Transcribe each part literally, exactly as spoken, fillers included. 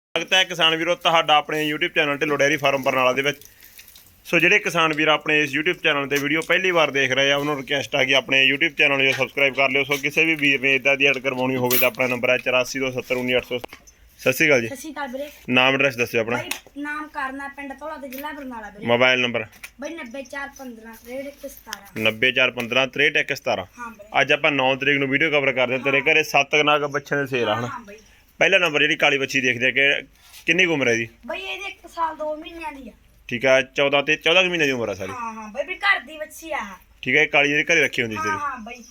ਸਵਾਗਤ ਹੈ ਕਿਸਾਨ ਵੀਰੋ ਤੁਹਾਡਾ ਆਪਣੇ YouTube channel Dhillon dairy farm Barnala ਦੇ ਵਿੱਚ। ਸੋ ਜਿਹੜੇ ਕਿਸਾਨ ਵੀਰ ਆਪਣੇ ਇਸ YouTube ਚੈਨਲ ਤੇ ਵੀਡੀਓ ਪਹਿਲੀ ਵਾਰ ਦੇਖ ਰਹੇ ਆ ਉਹਨਾਂ ਨੂੰ ਰਿਕਵੈਸਟ ਆ ਕਿ ਆਪਣੇ YouTube ਚੈਨਲ ਨੂੰ ਸਬਸਕ੍ਰਾਈਬ ਕਰ ਲਿਓ। ਸੋ ਕਿਸੇ ਵੀ ਵੀਰ ਨੇ ਇਦਾਂ ਦੀ ਐਡ ਕਰਵਾਉਣੀ ਹੋਵੇ ਤਾਂ ਆਪਣਾ ਨੰਬਰ ਹੈ ਚੁਰਾਸੀ ਦੋ ਸੱਤਰ ਉੱਨੀ ਅੱਠ ਸੌ। ਸਤਿ ਸ਼੍ਰੀ ਅਕਾਲ ਜੀ। ਸਤਿ ਸ਼੍ਰੀ ਅਕਾਲ ਵੀਰੇ। ਨਾਮ ਐਡਰੈਸ ਦੱਸਿਓ ਆਪਣਾ। ਬਾਈ ਨਾਮ ਕਰਨਾ ਪਿੰਡ ਧੌਲਾ ਤੇ ਜ਼ਿਲ੍ਹਾ ਬਰਨਾਲਾ ਵੀਰੇ। ਮੋਬਾਈਲ ਨੰਬਰ ਬਾਈ ਨੱਬੇ ਚਾਰ ਪੰਦਰਾਂ ਤਰੇਹਠ ਇੱਕ ਸਤਾਰਾਂ। ਨੱਬੇ ਚਾਰ ਪੰਦਰਾਂ ਤਰੇਹਠ ਇੱਕ ਸਤਾਰਾਂ। ਹਾਂ ਵੀਰੇ। ਅੱਜ ਆਪਾਂ ਨੌ ਤਰੀਕ ਨੂੰ ਵੀਡੀਓ ਕਵਰ ਕਰਦੇ ਹਾਂ। ਤੇਰੇ ਘਰੇ ਸੱਤ ਨਾਗ ਬੱਚਿਆਂ ਦੇ ਸੇਲ ਆ ਹਨਾ। ਹਾਂ ਬਾਈ। ਪਹਿਲਾ ਨੰਬਰ ਜਿਹੜੀ ਕਾਲੀ ਬੱਚੀ ਦੇਖਦੇ ਆ ਕਿ ਕਿੰਨੀ ਕੁ ਉਮਰ ਹੈ ਜੀ? ਬਾਈ ਇਹਦੇ ਇੱਕ ਸਾਲ ਦੋ ਮਹੀਨਿਆਂ ਦੀ ਆ। ਠੀਕ ਆ ਚੌਦਾਂ ਤੇ ਚੌਦਾਂ ਕੁ ਮਹੀਨੇ ਦੀ ਉਮਰ ਆ ਸਾਰੀ। ਹਾਂ ਹਾਂ ਬਾਈ ਵੀ ਘਰ ਦੀ ਬੱਚੀ ਆ। ਠੀਕ ਹੈ ਕਾਲੀ ਜਿਹੜੀ ਘਰੇ ਰੱਖੀ ਹੁੰਦੀ ਸੀ ਹਾਂ ਤੇਰੀ। ਹਾਂ ਬਾਈ।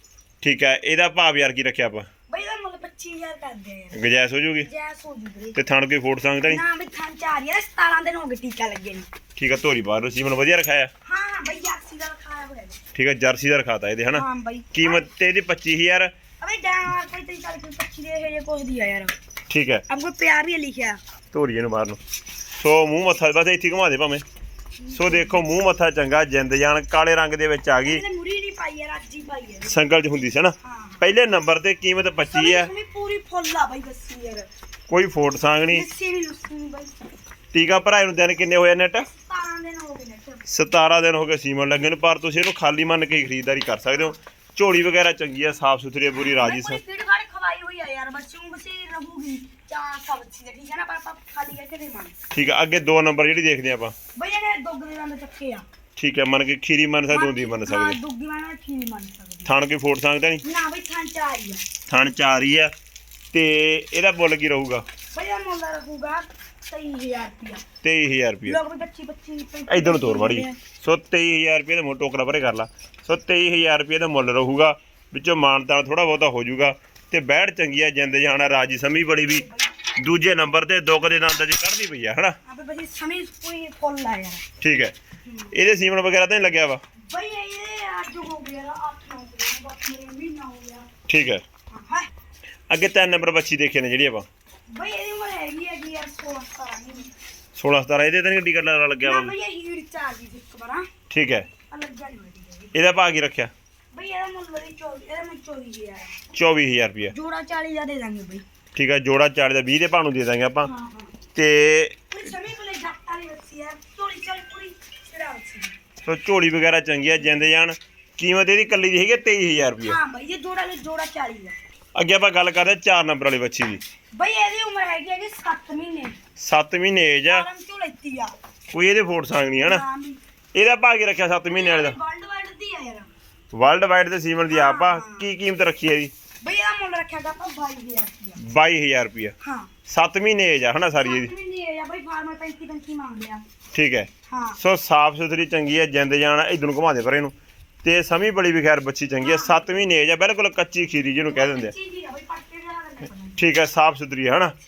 ਠੀਕ ਹੈ ਇਹਦਾ ਭਾਵ ਯਾਰ ਕੀ ਰੱਖਿਆ ਆਪਾਂ? ਬਾਈ ਦਾ ਮੁੱਲ ਪੱਚੀ ਹਜ਼ਾਰ ਕਰਦੇ ਆ ਯਾਰ। ਗੁੰਜਾਇਸ਼ ਹੋ ਜੂਗੀ ਜੈਸ ਹੋ ਜੂ ਵੀਰੇ। ਤੇ ਥਣ ਕੋਈ ਫੋਟ ਸੰਗ ਤਾਂ ਨਹੀਂ? ਨਾ ਵੀ ਥਾਂ ਚਾਰ ਯਾਰ ਸਤਾਰਾਂ ਦਿਨ ਹੋ ਗਏ ਟੀਕਾ ਲੱਗੇ ਨੂੰ। ਠੀਕ ਆ ਧੋਰੀ ਬਾਹਰ ਸੀਮਨ ਵਧੀਆ ਰਖਾਇਆ। ਹਾਂ ਹਾਂ ਬਾਈ ਜਰਸੀ ਦਾ ਖਾਇਆ ਹੋਇਆ। ਠੀਕ ਆ ਜਰਸੀ ਦਾ ਰਖਾਤਾ ਇਹਦੇ ਹਨਾ। ਹਾਂ ਬਾਈ। ਕੀਮਤ ਤੇ ਇਹਦੀ ਪੱਚੀ ਹਜ਼ਾਰ। ਅਬੇ ਡਾਂਰ ਕੋਈ ਤੇ ਚੱਲ ਕੋਈ ਪੱਚੀ ਦੇ ਇਹ ਜੇ ਕੁਝ ਦੀ ਆ ਯਾਰ। ਠੀਕ ਹੈ ਅਬ ਕੋਈ ਪਿਆਰ ਵੀ ਲਿਖਿਆ ਧੋਰੀ ਇਹਨੂੰ ਬਾਹਰ ਨੂੰ। ਸੋ ਮੂੰਹ ਮੱਥਾ ਬਸ ਇੱਥੇ ਘੁਮਾ ਦੇ ਭਾਵੇਂ। ਸੋ ਦੇਖੋ ਮੂੰਹ ਮੱਥਾ ਚੰਗਾ ਜਿੰਦ ਜਾਨ ਕਾਲੇ ਰੰਗ ਦੇ ਵਿੱਚ ਆ ਗਈ। ਇਹਨੇ ਮੁਰੀ ਨਹੀਂ ਪਾਈ ਯਾਰ ਅੱਜ ਹੀ ਪਾਈ ਯਾਰ। ਸੰਗਲ ਚ ਹੁੰਦੀ ਸੀ ਨਾ। ਹਾਂ ਪਹਿਲੇ ਨੰਬਰ ਤੇ ਕੀਮਤ ਪੱਚੀ ਹੈ। ਸਮੀ ਪੂਰੀ ਫੁੱਲ ਆ ਬਾਈ ਦੱਸੀ ਯਾਰ। ਕੋਈ ਫੋਟ ਸੰਗ ਨਹੀਂ। ਲੱਸੀ ਨਹੀਂ ਲੁੱਸੀ ਨਹੀਂ ਬਾਈ। ਟੀਕਾ ਭਰਾਏ ਨੂੰ ਦਿਨ ਕਿੰਨੇ ਹੋਏ ਨੈਟ? ਸਤਾਰਾਂ ਦਿਨ ਹੋ ਗਏ ਨੇ। ਸਤਾਰਾਂ ਦਿਨ ਹੋ ਗਏ ਸੀਮਨ ਲੱਗੇ ਨੂੰ। ਪਰ ਤੁਸੀਂ ਇਹਨੂੰ ਖਾਲੀ ਮੰਨ ਕੇ ਖਰੀਦਦਾਰੀ ਕਰ ਸਕਦੇ ਹੋ। ਝੋਲੀ ਵਗੈਰਾ ਚੰਗੀ ਆ ਸਾਫ ਸੁਥਰੀ ਆ ਪੂਰੀ ਰਾਜੀ ਕੋਈ ਫੀਡ ਗਾੜੀ ਖਵਾਈ ਹੋਈ ਆ ਯਾਰ ਬੱਚੂ ਬਸੀ ਰਹੂਗੀ ਚਾਰ ਸਬਜ਼ੀ ਦੇ ਠੀਕ ਹੈ ਨਾ ਪਰ ਆਪਾਂ ਖਾਲੀ ਕਰਕੇ ਨਹੀਂ ਮੰਨ। ਠੀਕ ਆ ਅੱਗੇ ਦੋ ਨੰਬਰ ਜਿਹੜੀ ਦੇਖਦੇ ਆਪਾਂ। ਬਈ ਇਹਨੇ ਦੁੱਧ ਦੇ ਦੰਦ ਚੱਕੇ ਆ। ਠੀਕ ਹੈ ਮੰਨ ਕੇ ਖੀਰੀ ਮੰਨ ਸਕਦੇ ਹੁੰਦੀ ਮੰਨ ਹਾਂ ਸਕਦੇ। ਦੁੱਗੀ ਵਾਲਾ ਖੀਰੀ ਮੰਨ ਸਕਦੇ। ਥਣ ਕੋਈ ਫੋਟ ਸਕਦਾ ਨਹੀਂ। ਨਾ ਬਈ ਥਾਂ ਚਾਰ ਹੀ ਆ। ਥਣ ਚਾਰ ਹੀ ਆ ਤੇ ਇਹਦਾ ਮੁੱਲ ਕੀ ਰਹੂਗਾ? ਬਈ ਇਹ ਮੁੱਲ ਰਹੂਗਾ ਤੇਈ ਹਜ਼ਾਰ ਰੁਪਿਆ। ਤੇਈ ਹਜ਼ਾਰ ਰੁਪਏ। ਲੋਕ ਵੀ ਪੱਚੀ ਪੱਚੀ ਇਧਰ ਨੂੰ ਤੋਰ ਮਾੜੀ। ਸੋ ਤੇਈ ਹਜ਼ਾਰ ਰੁਪਏ ਦਾ ਮੁੱਲ ਟੋਕਰਾ ਭਰੇ ਕਰ ਲਾ। ਸੋ ਤੇਈ ਹਜ਼ਾਰ ਰੁਪਏ ਦਾ ਮੁੱਲ ਰਹੂਗਾ। ਵਿੱਚੋਂ ਮਾਨਤਾਨ ਥੋੜਾ ਬਹੁਤਾ ਹੋ ਜਾਊਗਾ ਤੇ ਬੈੜ ਚੰਗੀ ਆ ਜਿੰਦ ਜਾਣਾ ਰਾਜੀ ਸਮੀ ਬੜੀ ਵੀ। ਦੂਜੇ ਨੰਬਰ ਤੇ ਦੁੱਖ ਦੇ ਦੰਦਾਂ 'ਚ ਕੱਢਦੀ ਪਈ ਆ ਹਨਾ। ਆਪੇ ਬਈ ਸਮੀ ਕੋਈ ਫੁੱਲ ਆ ਯਾਰ। ਠੀਕ ਹੈ ਇਹਦੇ ਸੀਮਨ ਵਗੈਰਾ ਤਾਂ ਨਹੀਂ ਲੱਗਿਆ ਵਾ? ਬਈ ਇਹ ਅੱਜ ਹੋ ਗਿਆ ਅੱਠ ਨੌ ਦਿਨ ਬਾਕੀ ਮਹੀਨਾ ਹੋ ਗਿਆ। ਠੀਕ ਹੈ ਹਾਂ ਅੱਗੇ ਤਿੰਨ ਨੰਬਰ ਬੱਚੀ ਦੇਖੇ ਨੇ ਜਿਹੜੀ ਆਪਾਂ। ਬਈ ਇਹਦੀ ਉਮਰ ਹੈਗੀ ਹੈ ਜੀ ਯਾਰ ਸੋਲਾਂ ਸਤਾਰਾਂ ਮਹੀਨੇ। ਸੋਲਾਂ ਸਤਾਰਾਂ ਇਹਦੇ ਤਾਂ ਨਹੀਂ ਟਿਕਟ ਲੱਗਿਆ ਨਾ ਵਾ? ਬਈ ਇਹ ਹੀੜ ਚ ਆ ਗਈ ਜੀ ਇੱਕ ਵਾਰ। ਠੀਕ ਹੈ ਅਲੱਗ ਜਾਈ ਹੋਈ। ਇਹਦਾ ਭਾਅ ਕੀ ਰੱਖਿਆ? ਬਈ ਇਹਦਾ ਮੁੱਲ ਬਈ ਚੌਵੀ ਇਹਦਾ ਮੁੱਲ ਚੌਵੀ ਹਜ਼ਾਰ। ਚੌਵੀ ਹਜ਼ਾਰ ਰੁਪਇਆ। ਜੋੜਾ ਚਾਲੀ ਦਾ ਦੇ ਦਾਂਗੇ ਬਈ। ਠੀਕ ਹੈ ਜੋੜਾ ਚਾਲੀ ਦਾ ਵੀਹ ਦੇ ਭਾਅ ਨੂੰ ਦੇ ਦਾਂਗੇ ਆਪਾਂ। ਹਾਂ ਹਾਂ ਤੇ ਕੋਈ ਸਮੇਂ ਕੋਲੇ ਜੱਟ ਵਾਲੀ ਬੱਸੀ ਆ ਚੋਲੀ ਚਾਲੀ ਪੂਰੀ ਛੜਾ ਬੱਸੀ। ਸੋ ਝੋਲੀ ਵਗੈਰਾ ਚੰਗੀ ਆ ਜਿੰਦ ਜਾਨ। ਕੀਮਤ ਇਹਦੀ ਕੱਲੀ ਦੀ ਹੈਗੀ ਤੇਈ ਹਜ਼ਾਰ ਰੁਪਇਆ। ਹਾਂ ਬਈ ਇਹ ਜੋੜਾ ਲੈ ਜੋੜਾ ਚਾਲੀ ਦਾ। ਅੱਗੇ ਆਪਾਂ ਗੱਲ ਕਰਦੇ ਚਾਰ ਨੰਬਰ ਵਾਲੀ ਬੱਚੀ ਦੀ। ਬਈ ਇਹਦੀ ਉਮਰ ਹੈਗੀ ਹੈ ਜੀ ਸੱਤ ਮਹੀਨੇ। ਸੱਤ ਮਹੀਨੇ ਏਜ ਆ। ਆਰਮ ਚੋਂ ਲੈਤੀ ਆ। ਕੋਈ ਇਹਦੇ ਫੋਟ ਸੰਗ ਨਹੀਂ ਹਨਾ। ਹਾਂ ਬਈ ਇਹਦਾ ਭਾਅ ਕੀ ਰੱਖਿਆ ਸੱਤ ਮਹੀਨੇ ਵਾਲੇ ਦਾ? ਵਰਲਡ ਵਾਈਡ ਦੀ ਆ ਯਾਰ। ਵਰਲਡ ਵਾਈਡ ਦੇ ਸੀਮਨ ਦੀ ਆਪ ਆ। ਕੀ ਕੀਮਤ ਰੱਖੀ ਹੈ ਜੀ? ਬਈ ਇਹਦਾ ਮੁੱਲ ਰੱਖਿਆ ਗਾ ਆਪਾਂ ਬਾਈ ਹਜ਼ਾਰ ਰੁਪਇਆ। ਬਾਈ ਹਜ਼ਾਰ ਰੁਪਇਆ। ਹਾਂ ਸੱਤ ਮਹੀਨੇ ਏਜ ਆ ਹਨਾ ਸਾਰੀ ਇਹਦੀ। ਸੱਤ ਮਹੀਨੇ ਆ ਬਈ ਫਾਰਮਰ ਪੈਂਤੀ ਪੈਂਤੀ ਮੰਗ ਲਿਆ। ਠੀਕ ਹੈ ਹਾਂ ਸੋ ਸਾਫ ਸੁਥਰੀ ਚੰਗੀ ਹੈ ਜਿੰਦ ਜਾਨ। ਇਧਰ ਨੂੰ ਘੁਮਾ ਦੇ ਪਰ ਇਹਨੂੰ। ਤੇ ਸਮੀ ਬੜੀ ਵੀ ਖੈਰ ਬੱਚੀ ਚੰਗੀ ਹੈ। ਸੱਤ ਮਹੀਨੇ ਏਜ ਆ ਬਿਲਕੁਲ ਕੱਚੀ ਖੀਰੀ ਜਿਹਨੂੰ ਕਹਿ ਦਿੰਦੇ ਆ। ਚੀਜ਼ੀ ਆ ਬਈ ਪੱਟੇ ਦੇ ਨਾਲ ਨਹੀਂ ਠੀਕ ਹੈ ਸਾਫ ਸੁਥਰੀ ਹੈ ਹਨਾ।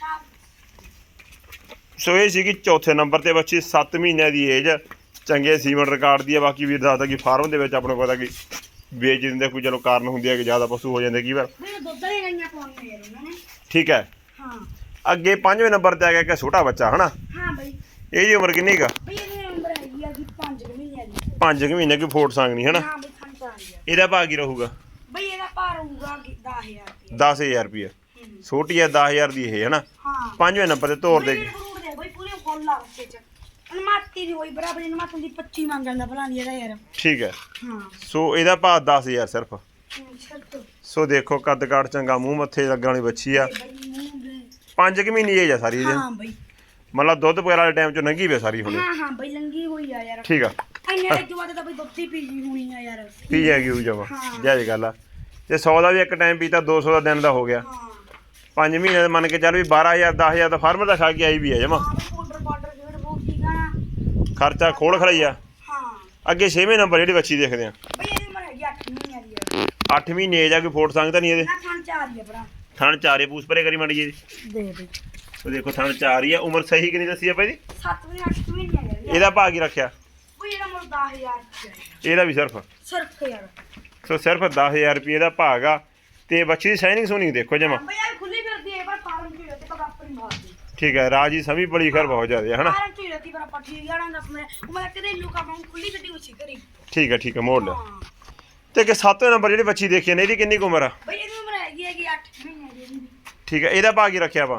ਸੋ ਇਹ ਸੀਗੀ ਚੌਥੇ ਨੰਬਰ ਤੇ ਬੱਚੀ ਸੱਤ ਮਹੀਨਿਆਂ ਦੀ ਏਜ। ਚੰਗੇ ਸੀਮਨ ਰਿਕਾਰਡ ਦੀ ਆ। ਬਾਕੀ ਵੀਰ ਦੱਸਦਾ ਕਿ ਫਾਰਮ ਦੇ ਵਿੱਚ ਆਪਣੇ ਪਤਾ ਕਿ ਵੇਚ ਦਿੰਦੇ ਕੋਈ ਚਲੋ ਕਾਰਨ ਹੁੰਦੀ ਹੈ ਕਿ ਜ਼ਿਆਦਾ ਪਸ਼ੂ ਹੋ ਜਾਂਦੇ ਕਈ ਵਾਰ। ਬਈ ਦੁੱਧ ਵਾਲੀਆਂ ਗਾਈਆਂ ਪਾਉਣੀਆਂ ਯਾਰ ਉਹਨਾਂ ਨੇ। ਠੀਕ ਹੈ ਹਾਂ ਅੱਗੇ ਪੰਜਵੇਂ ਨੰਬਰ ਤੇ ਆ ਗਿਆ ਇੱਕ ਛੋਟਾ ਬੱਚਾ ਹਨਾ। ਹਾਂ ਬਈ ਇਹਦੀ ਉਮਰ ਕਿੰਨੀ ਕਾ? ਬਈ ਇਹਦੀ ਉਮਰ ਹੈਗੀ ਆ ਜੀ ਪੰਜ ਕੁ ਮਹੀਨਿਆਂ ਦੀ। ਪੰਜ ਕੁ ਮਹੀਨੇ ਕੋਈ ਫੋਟ ਸੰਗ ਨਹੀਂ ਹਨਾ। ਹਾਂ ਬਈ ਖਾਣ ਚਾਰ ਹਜ਼ਾਰ। ਇਹਦਾ ਭਾਅ ਕੀ ਰਹੂਗਾ? ਬਈ ਇਹਦਾ ਭਾਰ ਹੋਊਗਾ ਦਸ ਹਜ਼ਾਰ ਰੁਪਏ। ਦਸ ਹਜ਼ਾਰ ਰੁਪਇਆ। ਛੋਟੀ ਹੈ ਦਸ ਹਜ਼ਾਰ ਦੀ ਇਹ ਹਨਾ। ਹਾਂ ਪੰਜਵੇਂ ਨੰਬਰ ਤੇ ਤੋਰ ਦੇਗੀ। ਬਈ ਪੂਰੇ ਫੁੱਲ ਆ ਬੱਚੇ ਚ। ਅਨਮਾਤੀ ਦੀ ਹੋਈ ਬਰਾਬਰ ਅਨਮਾਤੀ ਦੀ ਪੱਚੀ ਮੰਗਣ ਦਾ ਭਲਾ ਨਹੀਂ ਇਹਦਾ ਯਾਰ। ਠੀਕ ਹੈ ਹਾਂ ਸੋ ਇਹਦਾ ਭਾਅ ਦਸ ਹਜ਼ਾਰ ਸਿਰਫ। ਸ਼ਰਤ ਸੋ ਦੇਖੋ ਕੱਦ ਕਾਠ ਚੰਗਾ ਮੂੰਹ ਮੱਥੇ ਲੱਗਣ ਵਾਲੀ ਬੱਚੀ ਆ। ਬਈ ਮੂੰਹ ਦੇ। ਪੰਜ ਕੁ ਮਹੀਨੇ ਏਜ ਆ ਸਾਰੀ ਇਹਦੀ। ਹਾਂ ਬਈ ਮਤਲਬ ਦੁੱਧ ਵਗੈਰਾ ਵਾਲੇ ਟਾਈਮ ਚ ਲੰਘੀ ਵੇ ਸਾਰੀ ਹੁਣ। ਹਾਂ ਹਾਂ ਬਈ ਲੰਗੀ ਹੋਈ ਆ ਯਾਰ। ਠੀਕ ਆ ਇੰਨੇ ਦੇ ਜਵਾਦੇ ਤਾਂ ਬਈ ਦੁੱਧ ਹੀ ਪੀਜੀ ਹੋਣੀ ਆ ਯਾਰ। ਪੀ ਜਾਏਗੀ ਉਹ ਜਮਾ ਹਾਂ। ਜਾਇਜ਼ ਗੱਲ ਆ। ਤੇ ਸੌ ਦਾ ਵੀ ਇੱਕ ਟਾਈਮ ਪੀਤਾ ਦੋ ਸੌ ਦਾ ਦਿਨ ਦਾ ਹੋ ਗਿਆ। ਹਾਂ ਪੰਜ ਮਹੀਨੇ ਦਾ ਮੰਨ ਕੇ ਚੱਲ ਵੀ ਬਾਰਾਂ ਹਜ਼ਾਰ ਦਸ ਹਜ਼ਾਰ ਦਾ ਫਾਰਮਰ ਦਾ ਖਾ ਕੇ ਆਈ ਵੀ ਆ ਜਮਾ। ਹਾਂ ਬਈ ਪਾਊਡਰ ਪਾਊਡਰ ਜਿਹੜਾ ਬਹੁਤ ਠੀਕ ਆ ਨਾ। ਖਰਚਾ ਖੋਲ ਖੜਾਈ ਆ। ਹਾਂ ਅੱਗੇ ਛੇਵੇਂ ਨੰਬਰ ਜਿਹੜੀ ਬੱਚੀ ਦੇਖਦੇ ਆ। ਬਈ ਇਹਦੀ ਉਮਰ ਹੈਗੀ ਅੱਠ ਮਹੀਨਿਆਂ ਦੀ ਯਾਰ। ਅੱਠ ਮਹੀਨੇ ਏਜ ਆ ਕੋਈ ਫੋਟ ਸੰਗ ਤਾਂ ਨਹੀਂ ਇਹਦੇ? ਨਾ ਖਾਣ ਚਾਰ ਹੀ ਆ ਭਰਾ। ਥਣ ਚਾਰੇ ਪੂਸ ਪਰੇ ਕਰੀ ਮਾੜੀ ਜੀ। ਦੇ ਬਈ ਉਹ ਦੇਖੋ ਥਣ ਚਾਰ ਹੀ ਆ। ਉਮਰ ਸਹੀ ਕਿੰਨੀ ਦੱਸੀ ਆਪਾਂ ਇਹਦੀ? ਸੱਤ ਮਹੀਨੇ ਅੱਠ ਮਹੀਨੇ ਆ ਯਾਰ। ਇਹਦਾ ਭਾਅ ਕੀ ਰੱਖਿਆ? ਬਈ ਇਹਦਾ ਮੁੱਲ ਦਸ ਹਜ਼ਾਰ ਰੁਪਏ। ਇਹਦਾ ਵੀ ਸਿਰਫ ਸਿਰਫ ਯਾਰ। ਸੋ ਸਿਰਫ ਦਸ ਹਜ਼ਾਰ ਰੁਪਏ ਦਾ ਭਾਗ ਆ। ਤੇ ਬੱਚੀ ਦੀ ਸ਼ਾਈਨਿੰਗ ਸੋਨਿੰਗ ਦੇਖੋ ਜਮਾ। ਬਈ ਆ ਖੁੱਲੀ ਫਿਰਦੀ ਹੈ ਪਰ ਫਾਰਮ ਚ ਰਹਿਤੀ ਪਰ ਆਪਣੀ ਮਾਰਦੀ। ਠੀਕ ਹੈ ਰਾਜੀ ਸਮੀ ਬੜੀ ਖਰ ਬਹੁਤ ਜ਼ਿਆਦਾ ਹਨਾ। ਫਾਰਮ ਚ ਰਹਿਤੀ ਪਰ ਆਪਾਂ ਠੀਕ ਜਾਣਾ ਦੱਸ ਮੈਂ ਉਹ ਮੈਂ ਕਦੇ ਲੁਕਾ ਪਾਉਂ ਖੁੱਲੀ ਗੱਡੀ ਉੱਚੀ ਕਰੀ। ਠੀਕ ਹੈ ਠੀਕ ਹੈ ਮੋੜ ਲਿਆ। ਹਾਂ ਤੇ ਕਿ ਸੱਤਵੇਂ ਨੰਬਰ ਜਿਹੜੀ ਬੱਚੀ ਦੇਖੀ ਨੇ ਇਹਦੀ ਕਿੰਨੀ ਕੁ ਉਮਰ ਆ? ਬਈ ਇਹਦੀ ਉਮਰ ਹੈਗੀ ਹੈਗੀ ਅੱਠ ਮਹੀਨੇ ਦੀ। ਠੀਕ ਹੈ ਇਹਦਾ ਭਾਅ ਕੀ ਰੱਖਿਆ ਆਪਾਂ? ਬਈ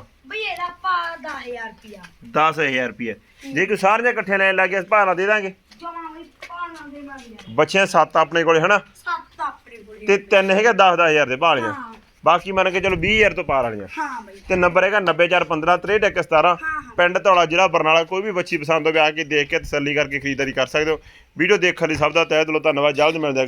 ਇਹਦਾ ਪਾ ਦਸ ਹਜ਼ਾਰ ਰੁਪਿਆ ਦਸ ਹਜ਼ਾਰ ਰੁਪਏ ਜੇ ਕੋਈ ਸਾਰੀਆਂ ਇਕੱਠੀਆਂ ਲੈਣ ਲੱਗ ਗਿਆ ਭਾਅ ਨਾਲ ਦੇ ਦਾਂਗੇ। ਜਮਾ ਬਈ ਪਾਣਾ ਦੇ ਮੰਗਿਆ ਬੱਚਿਆਂ ਸੱਤ ਆਪਣੇ ਕੋਲੇ ਹਨਾ ਸੱਤ ਆਪਣੇ ਕੋਲੇ ਤੇ ਤਿੰਨ ਹੈਗੇ ਦਸ ਦਸ ਹਜ਼ਾਰ ਦੇ ਭਾਅ ਵਾਲੀਆਂ। ਹਾਂ ਬਾਕੀ ਮੰਨ ਕੇ ਚਲੋ ਵੀਹ ਹਜ਼ਾਰ ਤੋਂ ਪਾਰ ਵਾਲੀਆਂ। ਹਾਂ ਬਈ ਤੇ ਨੰਬਰ ਹੈਗਾ ਨੱਬੇ ਚਾਰ ਪੰਦਰਾਂ ਤਰੇਹਠ ਇੱਕ ਸਤਾਰਾਂ। ਹਾਂ ਹਾਂ ਪਿੰਡ ਧੌਲਾ ਜ਼ਿਲ੍ਹਾ ਬਰਨਾਲਾ। ਕੋਈ ਵੀ ਬੱਚੀ ਪਸੰਦ ਹੋਵੇ ਆ ਕੇ ਦੇਖ ਕੇ ਤਸੱਲੀ ਕਰਕੇ ਖਰੀਦਦਾਰੀ ਕਰ ਸਕਦੇ ਹੋ। ਵੀਡੀਓ ਦੇਖਣ ਲਈ ਸਭ ਦਾ ਤਹਿ ਦਿਲੋਂ ਧੰਨਵਾਦ। ਜਲਦ ਮਿਲਦੇ ਹਾਂ।